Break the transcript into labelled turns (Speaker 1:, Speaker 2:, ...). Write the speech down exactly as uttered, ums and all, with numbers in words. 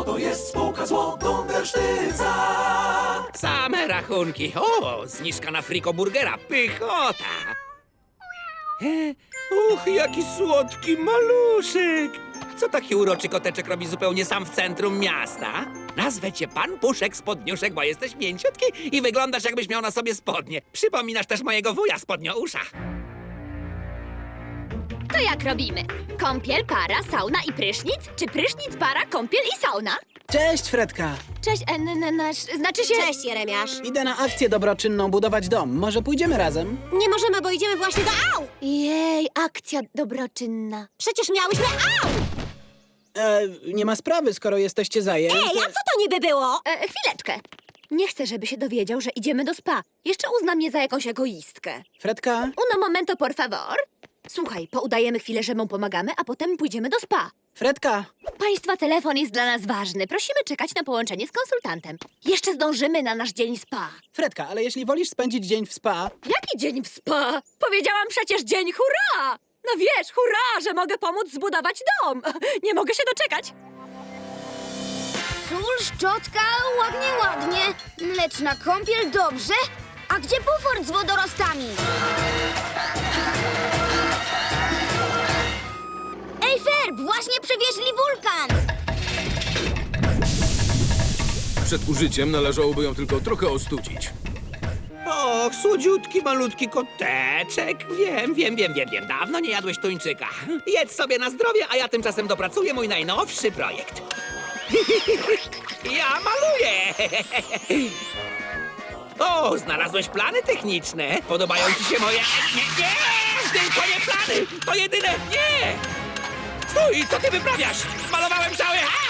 Speaker 1: to jest spółka z Dundersztyca.
Speaker 2: Same rachunki. O, zniżka na frikoburgera. Pychota. E, uch, jaki słodki maluszek. Co taki uroczy koteczek robi zupełnie sam w centrum miasta? Nazwę cię Pan Puszek Spodniuszek, bo jesteś mięciutki i wyglądasz, jakbyś miał na sobie spodnie. Przypominasz też mojego wuja Spodniousza.
Speaker 3: To jak robimy? Kąpiel, para, sauna i prysznic? Czy prysznic, para, kąpiel i sauna?
Speaker 4: Cześć, Fredka.
Speaker 3: Cześć, en, en, nasz, znaczy się...
Speaker 5: Cześć, Jeremiasz.
Speaker 4: Idę na akcję dobroczynną budować dom. Może pójdziemy razem?
Speaker 5: Nie możemy, bo idziemy właśnie do Au!
Speaker 3: Jej, akcja dobroczynna.
Speaker 5: Przecież miałyśmy Au!
Speaker 4: E, nie ma sprawy, skoro jesteście zajęci.
Speaker 5: Ej, a co to niby było?
Speaker 3: E, chwileczkę. Nie chcę, żeby się dowiedział, że idziemy do spa. Jeszcze uzna mnie za jakąś egoistkę.
Speaker 4: Fredka?
Speaker 3: Uno momento, por favor. Słuchaj, poudajemy chwilę, że mu pomagamy, a potem pójdziemy do spa.
Speaker 4: Fredka!
Speaker 3: Państwa telefon jest dla nas ważny. Prosimy czekać na połączenie z konsultantem. Jeszcze zdążymy na nasz dzień spa.
Speaker 4: Fredka, ale jeśli wolisz spędzić dzień w spa...
Speaker 3: Jaki dzień w spa? Powiedziałam przecież dzień hurra! No wiesz, hurra, że mogę pomóc zbudować dom. Nie mogę się doczekać.
Speaker 6: Sól, szczotka, ładnie, ładnie. Lecz na kąpiel dobrze? A gdzie bufor z wodorostami? Ej, Ferb, właśnie przewieźli wulkan!
Speaker 7: Przed użyciem należałoby ją tylko trochę ostudzić.
Speaker 2: Och, słodziutki, malutki koteczek. Wiem, wiem, wiem, wiem, wiem. Dawno nie jadłeś tuńczyka. Jedz sobie na zdrowie, a ja tymczasem dopracuję mój najnowszy projekt. Ja maluję! O, znalazłeś plany techniczne. Podobają ci się moje... Nie, nie! Tylko nie plany! To jedyne... Nie! Stój, co ty wyprawiasz? Malowałem cały... A!